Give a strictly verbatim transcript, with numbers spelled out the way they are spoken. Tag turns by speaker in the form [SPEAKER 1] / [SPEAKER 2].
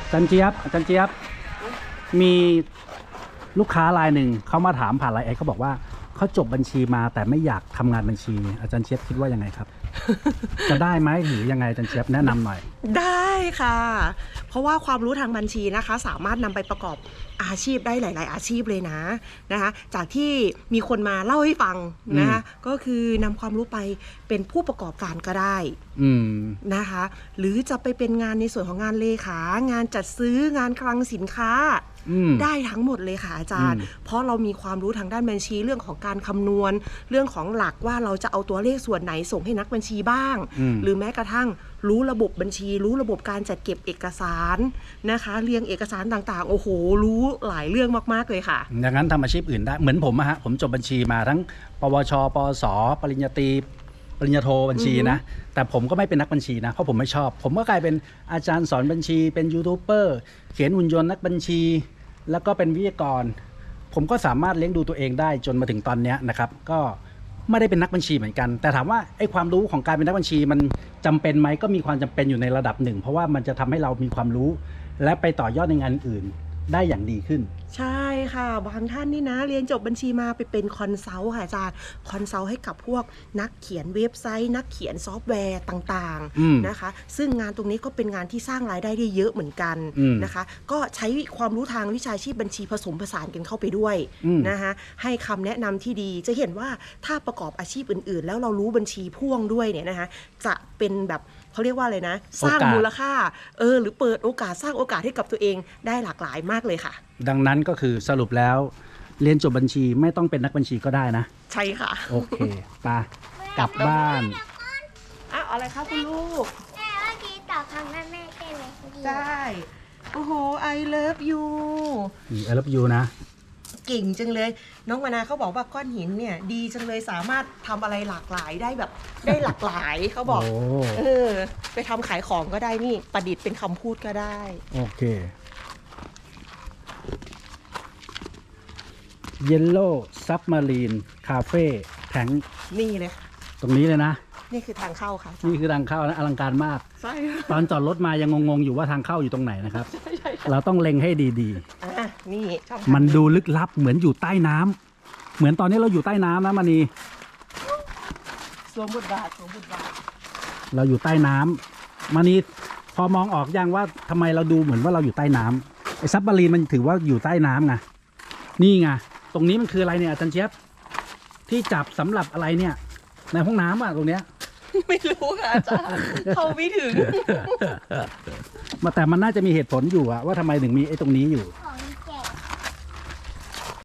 [SPEAKER 1] อาจารย์เจี๊ยบอาจารย์เจี๊ยบมีลูกค้ารายหนึ่งเขามาถามผ่านไลน์แอดเขาบอกว่าเขาจบบัญชีมาแต่ไม่อยากทำงานบัญชีอาจารย์เจี๊ยบคิดว่ายังไงครับ จะได้ไหมหรือยังไงอาจารย์เจี๊ยบแนะนำหน่อย
[SPEAKER 2] ได้ค่ะ เพราะว่าความรู้ทางบัญชีนะคะสามารถนำไปประกอบอาชีพได้หลายๆอาชีพเลยนะนะคะจากที่มีคนมาเล่าให้ฟังนะคะก็คือนำความรู้ไปเป็นผู้ประกอบการก็ได้นะคะหรือจะไปเป็นงานในส่วนของงานเลขางานจัดซื้องานคลังสินค้าได้ทั้งหมดเลยค่ะอาจารย์เพราะเรามีความรู้ทางด้านบัญชีเรื่องของการคำนวณเรื่องของหลักว่าเราจะเอาตัวเลขส่วนไหนส่งให้นักบัญชีบ้างหรือแม้กระทั่งรู้ระบบบัญชีรู้ระบบการจัดเก็บเอกสารนะคะเรียงเอกสารต่างๆโอ้โหรู้หลายเรื่องมากๆเลยค่ะ
[SPEAKER 1] อย่างนั้นทำอาชีพอื่นได้เหมือนผมอะฮะผมจบบัญชีมาทั้งปวชปวสปริญญาตรีปริญญาโทบัญชีนะแต่ผมก็ไม่เป็นนักบัญชีนะเพราะผมไม่ชอบผมก็กลายเป็นอาจารย์สอนบัญชีเป็นยูทูบเบอร์เขียนหุ่นยนต์นักบัญชีแล้วก็เป็นวิทยากรผมก็สามารถเลี้ยงดูตัวเองได้จนมาถึงตอนนี้นะครับก็ไม่ได้เป็นนักบัญชีเหมือนกันแต่ถามว่าไอ้ความรู้ของการเป็นนักบัญชีมันจำเป็นไหมก็มีความจำเป็นอยู่ในระดับหนึ่งเพราะว่ามันจะทำให้เรามีความรู้และไปต่อยอดในงานอื่นได้อย่างดีขึ้น
[SPEAKER 2] ใช่ค่ะบางท่านนี่นะเรียนจบบัญชีมาไปเป็นคอนซัลท์ค่ะอาจารย์คอนซัลท์ให้กับพวกนักเขียนเว็บไซต์นักเขียนซอฟต์แวร์ต่างๆนะคะซึ่งงานตรงนี้ก็เป็นงานที่สร้างรายได้ได้เยอะเหมือนกันนะคะก็ใช้ความรู้ทางวิชาชีพบัญชีผสมผสานกันเข้าไปด้วยนะคะให้คำแนะนำที่ดีจะเห็นว่าถ้าประกอบอาชีพอื่นๆแล้วเรารู้บัญชีพ่วงด้วยเนี่ยนะคะจะเป็นแบบเขาเรียกว่าอะไรนะสร้างมูลค่าเออหรือเปิดโอกาสสร้างโอกาสให้กับตัวเองได้หลากหลายมากเลยค่ะ
[SPEAKER 1] ดังนั้นก็คือสรุปแล้วเรียนจบบัญชีไม่ต้องเป็นนักบัญชีก็ได้นะ
[SPEAKER 2] ใช่ค่ะ
[SPEAKER 1] โอเคไปกลับบ้าน
[SPEAKER 2] อ้าวอะไรคะคุณลูก
[SPEAKER 3] แม่เมื่อกี้ตอบคำแม่แม่ใช่ไหม
[SPEAKER 2] ได้โอ้โห I love you
[SPEAKER 1] I love you นะ
[SPEAKER 2] เก่งจังเลยน้องมานาเขาบอกว่าก้อนหินเนี่ยดีจังเลยสามารถทำอะไรหลากหลายได้แบบได้หลากหลายเขาบอกเออไปทำขายของก็ได้นี่ประดิษฐ์เป็นคำพูดก็ได้
[SPEAKER 1] โอเค Yellow Submarine Cafe แทง
[SPEAKER 2] นี่เลย
[SPEAKER 1] ตรงนี้เลยนะ
[SPEAKER 2] นี่คือทางเข้าค่ะ
[SPEAKER 1] นี่คือทางเข้านะอลังการมาก
[SPEAKER 2] ใช่
[SPEAKER 1] ตอนจอดรถมายังงงๆอยู่ว่าทางเข้าอยู่ตรงไหนนะครับเราต้องเล็งให้ดี
[SPEAKER 2] ๆอ่ะนี่
[SPEAKER 1] มันดูลึกลับเหมือนอยู่ใต้น้ำเหมือนตอนนี้เราอยู่ใต้น้ำนะมานี
[SPEAKER 2] สวมบทบาทสวมบทบาท
[SPEAKER 1] เราอยู่ใต้น้ำมานีพอมองออกยังว่าทำไมเราดูเหมือนว่าเราอยู่ใต้น้ำไอ้ซับมารีนมันถือว่าอยู่ใต้น้ำไงนี่ไงตรงนี้มันคืออะไรเนี่ยอาจารย์เจี๊ยบที่จับสำหรับอะไรเนี่ยในห้องน้ำอ่ะตรงเนี้ย
[SPEAKER 2] ไม่รู้ค่ะอาจารย์เขาไม่ถึง
[SPEAKER 1] มาแต่มันน่าจะมีเหตุผลอยู่อะว่าทำไมถึงมีไอ้ตรงนี้อยู่